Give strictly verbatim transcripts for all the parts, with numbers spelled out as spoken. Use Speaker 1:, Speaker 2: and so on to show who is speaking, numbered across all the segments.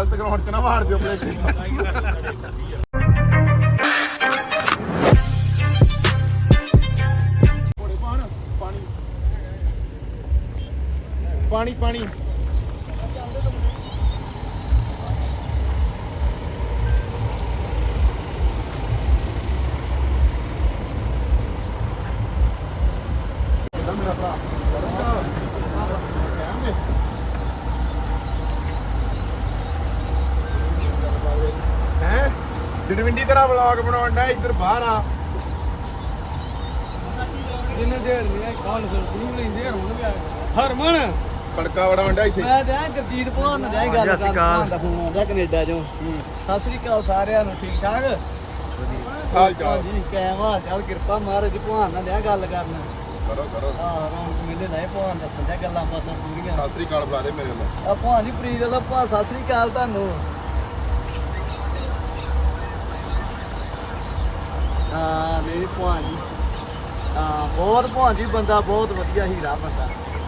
Speaker 1: ਗਲਤ ਗਰਾਊਂਡ 'ਚ ਨਾ ਮਾਰ ਦਿਓ ਪਲੇਟ ਪਾਣੀ ਪਾਣੀ ਮੇਰਾ ਭਰਾ ਹੈ ਜਨਵਿੰਡੀ ਤੇਰਾ ਵਲੌਗ ਬਣਾਉਣ ਦਾ ਇੱਧਰ ਬਾਹਰ ਆ
Speaker 2: ਜਿੰਨੇ ਦੇਰ ਨਹੀਂ ਕਾਲ ਸੁਣੀ ਲੈਂਦੇ ਹੁਣ ਵੀ ਹਰਮਨ
Speaker 1: ਕੜਕਾ ਵੜਾ ਵੰਡਾ ਇੱਥੇ
Speaker 2: ਮੈਂ ਤੇ ਗੁਰਜੀਤ ਭੋਨ ਨਾਲ ਜਾਈ ਗੱਲ ਕਰਦਾ ਦਾ ਫੋਨ ਆਉਂਦਾ ਕੈਨੇਡਾ ਚੋਂ ਸਤਿ ਸ੍ਰੀ ਅਕਾਲ ਸਾਰਿਆਂ ਨੂੰ ਠੀਕ ਠਾਕ
Speaker 1: ਹਾਲ ਚਾਲ
Speaker 2: ਜੀ ਕਾਇਮ ਹਾਲ ਚਾਲ ਕਿਰਪਾ ਮਹਾਰਾਜ ਭੋਨ ਨਾਲ ਲਿਆ ਗੱਲ ਕਰਨ
Speaker 1: ਕਰੋ ਕਰੋ
Speaker 2: ਹਾਂ ਰੌਣਕ ਮੇਲੇ ਲਾਏ ਭੋਨ ਦੱਸਣ ਦਾ ਗੱਲਾਂ ਬਾਤਾਂ ਪੂਰੀਆਂ
Speaker 1: ਸਤਿ ਸ੍ਰੀ ਅਕਾਲ ਬੁਲਾ ਦੇ ਮੇਰੇ ਵੱਲੋਂ
Speaker 2: ਆ ਭੋਨ ਜੀ ਪ੍ਰੀਤ ਦਾ ਭਾ ਸਤਿ ਸ੍ਰੀ ਅਕਾਲ ਤੁਹਾਨੂੰ ਹਾਂ ਮੇਰੀ ਭੋਨ ਜੀ ਹਾਂ ਬਹੁਤ ਭੋਨ ਜੀ ਬੰਦਾ ਬਹੁਤ ਵਧੀਆ ਹੀਰਾ ਬੰਦਾ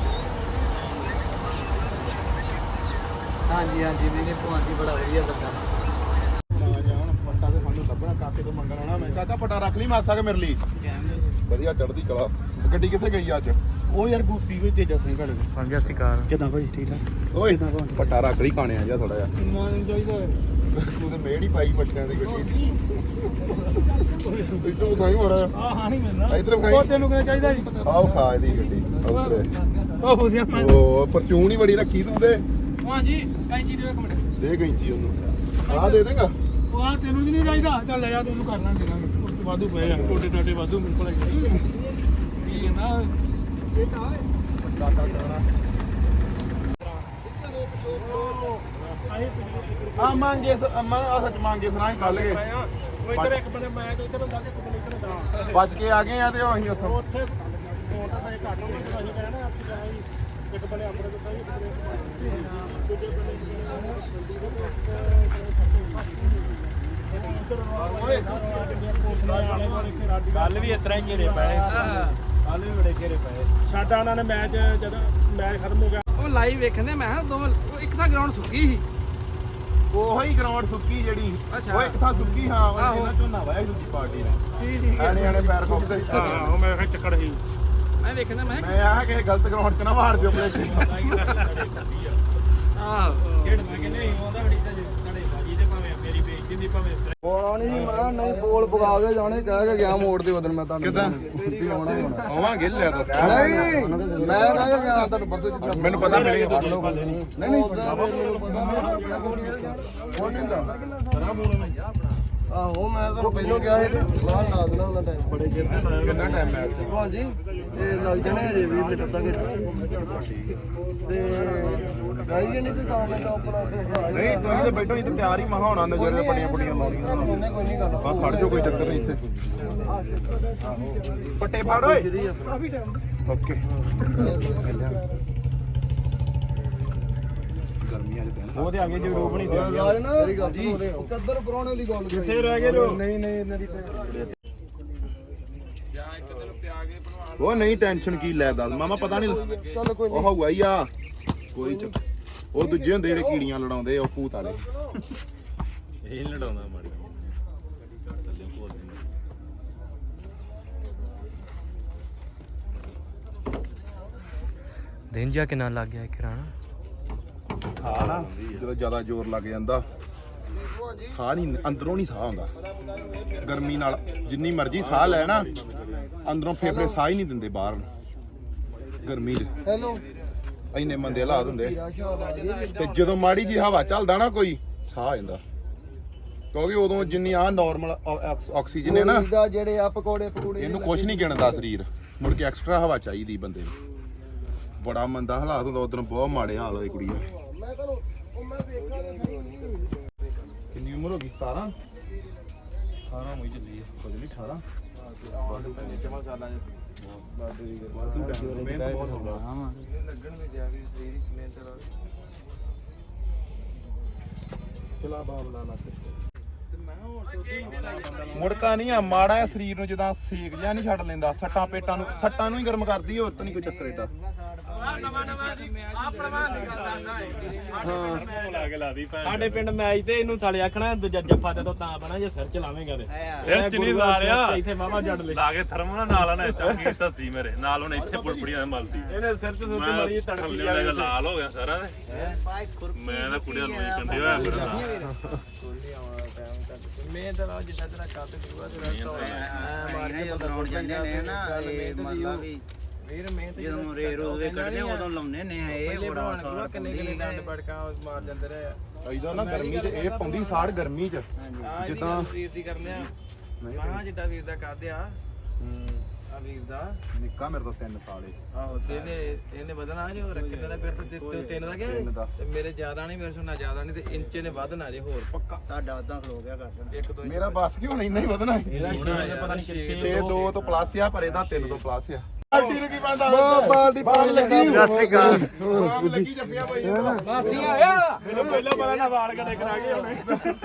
Speaker 2: ਹਾਂਜੀ ਹਾਂਜੀ ਮੇਰੇ ਭੋਨ ਜੀ ਬੜਾ ਵਧੀਆ ਬੰਦਾ
Speaker 1: ਹੁਣ ਪੱਟਾ ਤੇ ਸਾਨੂੰ ਲੱਭਣਾ ਕਾਕੇ ਤੋਂ ਮੰਗਣ ਆਉਣਾ ਮੈਂ ਕਾਕਾ ਪੱਟਾ ਰੱਖ ਲਈ ਮਾਸਾ ਕੇ ਮੇਰੇ ਲਈ ਵਧੀਆ ਚੜ੍ਹਦੀ ਕਲਾ ਗੱਡੀ ਕਿੱਥੇ ਗਈ ਅੱਜ
Speaker 2: ਉਹ ਯਾਰ ਗੋਪੀ ਕੋਈ ਤੇਜਾ ਸਿੰਘ ਘੜ
Speaker 3: ਹਾਂ ਗਿਆ ਸਿਕਾਰ
Speaker 2: ਕਿਦਾਂ ਭਾਈ ਠੀਕ ਠਾਕ
Speaker 1: ਓਏ ਪੱਟਾ ਰੱਖ ਲਈ ਖਾਣੇ ਆ ਜਾ ਥੋੜਾ ਜਿਹਾ
Speaker 2: ਮਾਨ ਚਾਹੀਦਾ
Speaker 1: ਤੂੰ ਤੇ ਮੇੜ ਹੀ ਪਾਈ ਬੱਚਿਆਂ ਦੀ ਗੱਡੀ ਇੱਥੋਂ ਖਾਈ ਮੜਾ
Speaker 2: ਆ ਹਾਂ ਨਹੀਂ ਮਿਲਣਾ
Speaker 1: ਇਧਰ ਖਾਈ
Speaker 2: ਉਹ ਤੈਨੂੰ ਕਿਹਨੇ ਚਾਹੀਦਾ ਜੀ
Speaker 1: ਆਓ ਖਾ ਇਹਦੀ ਗੱਡੀ
Speaker 2: ਉਹ ਫੁਸਿਆ ਮੈਂ
Speaker 1: ਉਹ ਪਰਚੂਨ ਹੀ ਬੜੀ ਰੱਖੀ ਤੂੰ ਤੇ
Speaker 2: ਹਾਂ ਜੀ ਕੈਂਚੀ ਦੇ ਇੱਕ ਮਿੰਟ
Speaker 1: ਦੇ ਕੈਂਚੀ ਉਹਨੂੰ ਆਹ ਦੇ ਦੇਗਾ
Speaker 2: ਉਹ ਆ ਤੈਨੂੰ ਨਹੀਂ ਚਾਹੀਦਾ ਚੱਲ ਲੈ ਜਾ ਤੈਨੂੰ ਕਰਨਾ ਦੇਣਾ ਵਾਧੂ ਪਏ ਆ ਟੋਟੇ ਟਾਟੇ ਵਾਧੂ ਮੇਰੇ ਕੋਲ ਕੀ ਨਾ ਇਹ ਤਾਂ
Speaker 1: ਆ ਮੰਗੇ ਅਮਾ ਆ ਸੱਚ ਮੰਗੇ ਸੁਣਾ ਹੀ ਕੱਲ ਗਏ
Speaker 2: ਉਹ ਇੱਧਰ ਇੱਕ ਬੰਦੇ ਮੈਂ ਤੇ ਇੱਧਰ ਬੰਦਾ ਇੱਕ ਬੰਦੇ ਇੱਧਰ ਦਾ
Speaker 1: ਬਚ ਕੇ ਆ ਗਏ ਆ ਤੇ ਉਹ ਅਸੀਂ ਉੱਥੋਂ
Speaker 2: ਉੱਥੇ ਉਹ ਤਾਂ ਫੇ ਘੱਟ ਹੋ ਗਿਆ ਅਸੀਂ ਕਹਿਣਾ ਆਪੀ ਜਾਈ ਇੱਕ ਬੰਦੇ ਆਪਣੇ ਤੋਂ ਸਹੀ ਦੂਜੇ
Speaker 3: ਗੱਲ ਵੀ ਇਸ ਤਰ੍ਹਾਂ ਹੀ ਘੇਰੇ ਪਏ
Speaker 2: ਕੱਲ ਵੀ ਬੜੇ ਘੇਰੇ ਪਏ ਸਾਡਾ ਉਹਨਾਂ ਨੇ ਮੈਚ ਜਦੋਂ ਮੈਚ ਖਤਮ ਹੋ ਗਿਆ ਉਹ ਲਾਈਵ ਵੇਖਦੇ ਮੈਂ ਕਿਹਾ ਦੋਵੇਂ ਇੱਕ ਤਾਂ ਗਰਾਊਂਡ ਸੁੱਕੀ ਸੀ
Speaker 1: ਉਹੋ ਹੀ ਗਰਾਊਂਡ ਸੁੱਕੀ ਜਿਹੜੀ ਉਹ ਇੱਕ ਥਾਂ ਸੁੱਕੀ ਹਾਂ ਉਹ ਇਹਨਾਂ ਝੋਨਾ ਵਾਇਆ ਦੂਜੀ ਪਾਰਟੀ ਨੇ
Speaker 2: ਠੀਕ ਠੀਕ
Speaker 1: ਆਣੇ ਆਣੇ ਪੈਰ ਖੋਪਦੇ
Speaker 2: ਹਾਂ ਉਹ ਮੈਂ ਕਿਹਾ ਚੱਕੜ ਸੀ ਮੈਂ ਵੇਖਦਾ ਮੈਂ
Speaker 1: ਮੈਂ ਆਹ ਕਿ ਗਲਤ ਗਰਾਊਂਡ 'ਚ ਨਾ ਮਾਰ ਦਿਓ ਪਲੇਟ
Speaker 2: ਆਹ ਖੇਡ ਮੈਂ ਕਹਿੰਦੇ ਨਹੀਂ ਆਉਂਦਾ ਹੜੀ ਤਾਂ ਤੁਹਾਡੇ ਬਾਜੀ ਤੇ ਭਾਵੇਂ ਮੇਰੀ ਬੇਇੱਜ਼ਤੀ ਦੀ ਭਾਵੇਂ
Speaker 4: ਬੋਲ ਨਹੀਂ ਮੈਂ ਨਹੀਂ ਬੋਲ ਪਗਾ ਕੇ ਜਾਣੇ ਕਹਿ ਕੇ ਗਿਆ ਮੋੜ ਦੇ ਉਦੋਂ ਮੈਂ ਤੁਹਾਨੂੰ
Speaker 1: ਕਿੱਦਾਂ
Speaker 4: ਵੀ ਆਉਣਾ ਹੀ ਆਉਣਾ
Speaker 1: ਆਵਾਂਗੇ ਲੈ ਦੱਸ
Speaker 4: ਨਹੀਂ ਮੈਂ ਕਹਿ ਕੇ ਗਿਆ ਤੁਹਾਨੂੰ ਪਰਸੋਂ ਜਿੱਦਾਂ
Speaker 1: ਮੈਨੂੰ ਪਤਾ ਮਿਲੇਗਾ
Speaker 4: ਨਹੀਂ ਨਹੀਂ ਕੌਣ ਨਹੀਂ ਦਾ ਆਹੋ ਮੈਂ ਤੁਹਾਨੂੰ ਪਹਿਲਾਂ ਗਿਆ ਸੀ ਬਾਹਰ ਲਾ ਦੇਣਾ ਉਹਦਾ ਟਾਈਮ ਬੜੇ
Speaker 1: ਕਿੰਨਾ ਟਾਈਮ ਮੈਚ
Speaker 4: ਹਾਂਜੀ ਇਹ ਲੱਗ ਜਾਣੇ ਹਜੇ ਵੀਹ ਮਿੰਟ ਤੱਕ ਤੇ ਗਾਈ ਨਹੀਂ ਤੇ ਕੰਮ ਦਾ ਆਪਣਾ
Speaker 1: ਨਹੀਂ ਤੁਸੀਂ ਤੇ ਬੈਠੋ ਇੱਥੇ ਤਿਆਰ ਹੀ ਮਹਾ ਹੋਣਾ ਨਜ਼ਰ ਪੜੀਆਂ ਪੜੀਆਂ ਲਾਉਣੀਆਂ
Speaker 4: ਨਹੀਂ ਕੋਈ ਨਹੀਂ ਗੱਲ
Speaker 1: ਬਸ ਫੜ ਜਾਓ ਕੋਈ ਚੱਕਰ ਨਹੀਂ ਇੱਥੇ ਪੱਟੇ ਫੜ ਓਏ ਓਕੇ ਗਰਮੀਆਂ ਦੇ ਦਿਨ
Speaker 2: ਉਹਦੇ ਅੱਗੇ ਜੋ ਰੋਕ ਨਹੀਂ
Speaker 4: ਰਾਜ ਨਾ ਮੇਰੀ ਗੱਲ ਜੀ ਕਿੱਧਰ ਪਰੋਣੇ ਦੀ ਗੱਲ
Speaker 2: ਕਿੱਥੇ ਰਹਿ ਗਏ ਜੋ
Speaker 4: ਨਹੀਂ ਨਹੀਂ ਇਹਨਾਂ ਦੀ
Speaker 1: ਉਹ ਨਹੀਂ ਟੈਨਸ਼ਨ ਕੀ ਲੈ ਦੱਸ ਮਾਮਾ ਪਤਾ ਨਹੀਂ
Speaker 4: ਚੱਲ ਕੋਈ
Speaker 1: ਉਹ ਹੋਊਗਾ ਹੀ ਆ ਕੋਈ ਚੱਕਰ ਉਹ ਦੂਜੇ ਹੁੰਦੇ ਜਿਹੜੇ ਕੀੜੀਆਂ ਲੜਾਉਂਦੇ ਉਹ ਭੂਤ ਵਾਲੇ
Speaker 3: ਇਹ ਲੜਾਉਂਦਾ ਮਾੜੀ ਦਿਨ ਜਾ ਕਿੰਨਾ ਲੱਗ ਗਿਆ ਕਿਰਾਣਾ
Speaker 1: ਸਾਹ ਨਾ ਜਦੋਂ ਜ਼ਿਆਦਾ ਜ਼ੋਰ ਲੱਗ ਜਾਂਦਾ ਸਾਹ ਨਹੀਂ ਅੰਦਰੋਂ ਨਹੀਂ ਸਾਹ ਆਉਂਦਾ ਗਰਮੀ ਨਾਲ ਜਿੰਨੀ ਮਰਜ਼ੀ ਸਾਹ ਲੈ ਨਾ ਅੰਦਰੋਂ ਫੇਫੜੇ ਸਾਹ ਹੀ ਨਹੀਂ ਦਿੰਦੇ ਬਾਹਰ ਗਰਮੀ 'ਚ
Speaker 4: ਹੈਲੋ
Speaker 1: ਇੰਨੇ ਮੰਦੇ ਹਾਲਾਤ ਹੁੰਦੇ ਤੇ ਜਦੋਂ ਮਾੜੀ ਜੀ ਹਵਾ ਚੱਲਦਾ ਨਾ ਕੋਈ ਸਾਹ ਆ ਜਾਂਦਾ ਕਿਉਂਕਿ ਉਦੋਂ ਜਿੰਨੀ ਆ ਨਾਰਮਲ ਆਕਸੀਜਨ ਹੈ ਨਾ
Speaker 4: ਦਾ ਜਿਹੜੇ ਆ ਪਕੌੜੇ ਪਕੌੜੇ
Speaker 1: ਇਹਨੂੰ ਕੁਝ ਨਹੀਂ ਗਿਣਦਾ ਸਰੀਰ ਮੁੜ ਕੇ ਐਕਸਟਰਾ ਹਵਾ ਚਾਹੀਦੀ ਬੰਦੇ ਨੂੰ ਬੜਾ ਮੰਦਾ ਹਾਲਾਤ ਹੁੰਦਾ ਉਦੋਂ ਬਹੁਤ ਮਾੜੇ ਹਾਲ ਹੋਏ ਕੁੜੀ
Speaker 4: ਮੈਂ ਤੁਹਾਨੂੰ ਉਹ ਮੈਂ ਵੇਖਾਂ ਤਾਂ ਸਹੀ
Speaker 1: ਕਿੰਨੀ ਉਮਰ ਹੋ ਗਈ ਸਤਾਰਾਂ ਅਠਾਰਾਂ ਹੋਈ ਚੱਲੀ ਹੈ ਕੁਝ ਨਹੀਂ ਅਠਾਰਾਂ ਜਮਾ ਸਾਲਾਂ ਮੁੜਕਾ ਨਹੀਂ ਆ ਮਾੜਾ ਆ ਸਰੀਰ ਨੂੰ ਜਦਾਂ ਸੇਕ ਜਿਹਾ ਨਹੀਂ ਛੱਡ ਲੈਂਦਾ ਸੱਟਾਂ ਪੇਟਾਂ ਨੂੰ ਸੱਟਾਂ ਨੂੰ ਹੀ ਗਰਮ ਕਰਦੀ ਹੋਰ ਤਾਂ ਨਹੀਂ ਕੋਈ ਚੱਕਰ ਏਡਾ
Speaker 3: ਲਾ ਕੇ ਲਾਦੀ ਭੈਣ
Speaker 5: ਸਾਡੇ ਪਿੰਡ ਮੈਚ ਤੇ ਇਹਨੂੰ ਸਾਲੇ ਆਖਣਾ ਦੂਜਾ ਜੱਫਾ ਜਦੋਂ ਤਾਂ ਬਣਾ ਜੇ ਸਿਰ ਚ ਲਾਵੇਂਗਾ ਤੇ
Speaker 3: ਇਹ ਚ ਨਹੀਂ ਸਾਲਿਆ
Speaker 5: ਇੱਥੇ ਮਾਮਾ ਜੱਡ ਲੈ
Speaker 3: ਲਾ ਕੇ ਥਰਮਲ ਨਾਲ ਨਾ ਚੰਗੀ ਧੱਸੀ ਮੇਰੇ ਨਾਲ ਹੁਣ ਇੱਥੇ ਪੁੜਪੜੀਆਂ ਮਲਦੀ
Speaker 5: ਇਹਨੇ ਸਿਰ ਚ ਸੁੱਚ
Speaker 3: ਮੈਂ
Speaker 5: ਮਾਰੀ ਤੜਕੀ
Speaker 3: ਥੱਲੇ
Speaker 5: ਜਾਵੇ
Speaker 3: ਵਾਲਾ ਲਾਲ ਹੋ ਗਿਆ ਸਾਰਾ ਤੇ ਮੈਂ ਤਾਂ ਕੁੜੀਆਂ ਨੂੰ ਕੰਡੇ ਹੋਇਆ ਫਿਰ
Speaker 5: ਮੈਂ ਤਾਂ ਰਾਜ ਜਿੱਦਾਂ ਤੇਰਾ ਕੱਟ ਗੁਰੂਆ ਤੇਰਾ ਮਾਰ ਕੇ ਬਣਾਉਣ ਜਾਂਦੇ ਨੇ ਨਾ ਇਹ ਮਤਲਬ ਵੀ ਵੀਰ ਮੈਂ ਤੇ ਜਦੋਂ ਰੇ ਰੋਵੇ ਕੱਢਦੇ ਉਦੋਂ ਲਾਉਨੇ ਨੇ ਇਹ ਬੜਾ ਸਾਰਾ ਕਿੰਨੇ ਕਿੰਨੇ ਡੰਡ ਪੜਕਾ ਮਾਰ ਜਾਂਦੇ ਰਹੇ
Speaker 1: ਇਹਦਾ ਨਾ ਗਰਮੀ ਚ ਇਹ ਪਾਉਂਦੀ ਸਾੜ ਗਰਮੀ ਚ
Speaker 5: ਜਿੱਦਾਂ ਵੀਰ ਦੀ ਕਰ ਲਿਆ ਮਾਂ ਜਿੱਡਾ ਵੀਰ ਦਾ ਕਰਦੇ ਆ ਆ ਵੀਰ ਦਾ
Speaker 1: ਨਿੱਕਾ ਮੇਰੇ ਤੋਂ ਤਿੰਨ ਸਾਲ ਏ
Speaker 5: ਆਹੋ ਤੇ ਇਹਨੇ ਇਹਨੇ ਵਧਣਾ ਜੋ ਰੱਖੇ ਦਾ ਫਿਰ ਤੇ ਤਿੰਨ ਦਾ
Speaker 1: ਤਿੰਨ ਦਾ।
Speaker 5: ਗਿਆ ਤੇ ਮੇਰੇ ਜ਼ਿਆਦਾ ਨਹੀਂ ਮੇਰੇ ਸੁਣਾ ਜ਼ਿਆਦਾ ਨਹੀਂ ਤੇ ਇੰਚ ਨੇ ਵਧਣਾ ਜੇ ਹੋਰ ਪੱਕਾ ਤੁਹਾਡਾ ਉਦਾਂ ਖਲੋ ਗਿਆ ਕਰ ਦੇਣਾ ਇੱਕ ਦੋ
Speaker 1: ਮੇਰਾ ਬਸ ਕੀ ਹੁਣ ਇੰਨਾ ਹੀ ਵਧਣਾ
Speaker 5: ਪਤਾ ਨਹੀਂ ਕਿੱਥੇ
Speaker 1: ਛੇ ਦੋ ਤੋਂ ਪਲੱਸ ਆ ਪਰ ਇਹਦਾ ਤਿੰਨ ਤੋਂ ਪਲੱਸ ਆ ਬਾਲਟੀ ਨੂੰ ਕੀ ਬੰਦਾ ਬਾਲਟੀ ਪਾਣ ਲੱਗੀ
Speaker 3: ਸਤਿ ਸ਼੍ਰੀ ਅਕਾਲ
Speaker 1: ਆਮ ਲੱਗੀ ਜੱਫੀਆਂ ਪਾਈ ਜਾਂਦਾ
Speaker 5: ਮਾਸੀ ਆਇਆ ਮੈਨੂੰ ਪਹਿਲਾਂ ਪਤਾ ਨਾ ਵਾਲ ਕਦੇ ਕਰਾ ਕੇ ਹੁਣੇ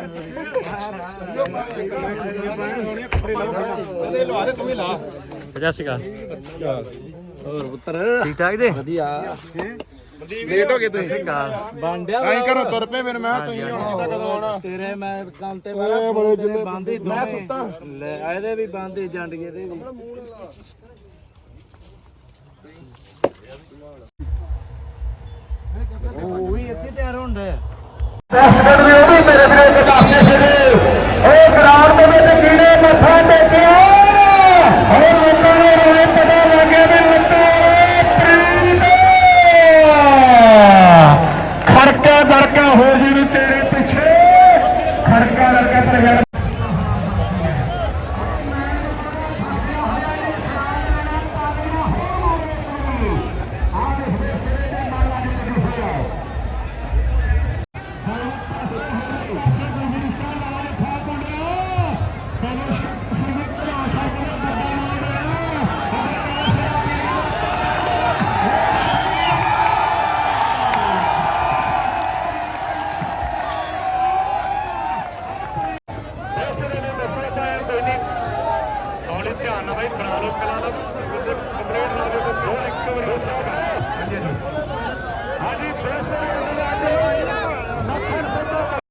Speaker 5: ਕੱਪੜੇ ਲਾਓ ਇਹਦੇ ਲਵਾ ਦੇ ਤੂੰ ਵੀ ਲਾ
Speaker 3: ਸਤਿ ਸ਼੍ਰੀ ਅਕਾਲ
Speaker 5: ਹੋਰ ਪੁੱਤਰ
Speaker 3: ਠੀਕ ਠਾਕ ਜੀ
Speaker 5: ਵਧੀਆ
Speaker 1: ਲੇਟ ਹੋ ਗਏ
Speaker 3: ਸਤਿ
Speaker 1: ਤੁਸੀਂ
Speaker 3: ਸ਼੍ਰੀ ਅਕਾਲ
Speaker 5: ਬਾਂਡਿਆ
Speaker 1: ਐਂ ਕਰੋ ਤੁਰ ਪਏ ਫਿਰ ਮੈਂ ਕਿਹਾ ਤੁਸੀਂ ਹੁਣ ਕਿੱਦਾਂ ਕਦੋਂ ਆਉਣਾ
Speaker 5: ਤੇਰੇ ਮੈਂ ਕੰਮ ਤੇ ਬੜਾ ਬੜੇ ਜਿੰਨੇ ਬੰਦੇ
Speaker 1: ਮੈਂ ਸੁੱਤਾ
Speaker 5: ਲੈ ਇਹਦੇ ਵੀ ਬੰਦੇ ਜੰਡੀਏ ਦੇ ਵੀ ਉਹ ਵੀ ਇੱਥੇ ਤਿਆਰ ਹੁੰਦਾ ਹੈ
Speaker 6: ਉਹ ਗਰਾਊਂਡ ਦੇ ਵਿੱਚ ਕੀੜੇ ਮੱਥਾ ਟੇਕਿਆ ਹੋਰ ਲੋਕਾਂ ਨੂੰ ਰੋਏ ਪਤਾ ਲੱਗਿਆ ਵੀ ਲੱਤਾਂ ਪ੍ਰੀਤ ਖੜਕਾ ਦਰਕਾ ਹੋ ਜੀ ਨੂੰ ਤੇਰੇ ਪਿੱਛੇ ਖੜਕਾ ਦਰਕਾ ਤੇ ਧਿਆਨ ਨਾਲ ਬਾਈ ਬਣਾ ਲਓ ਕਲਾਂ ਦਾ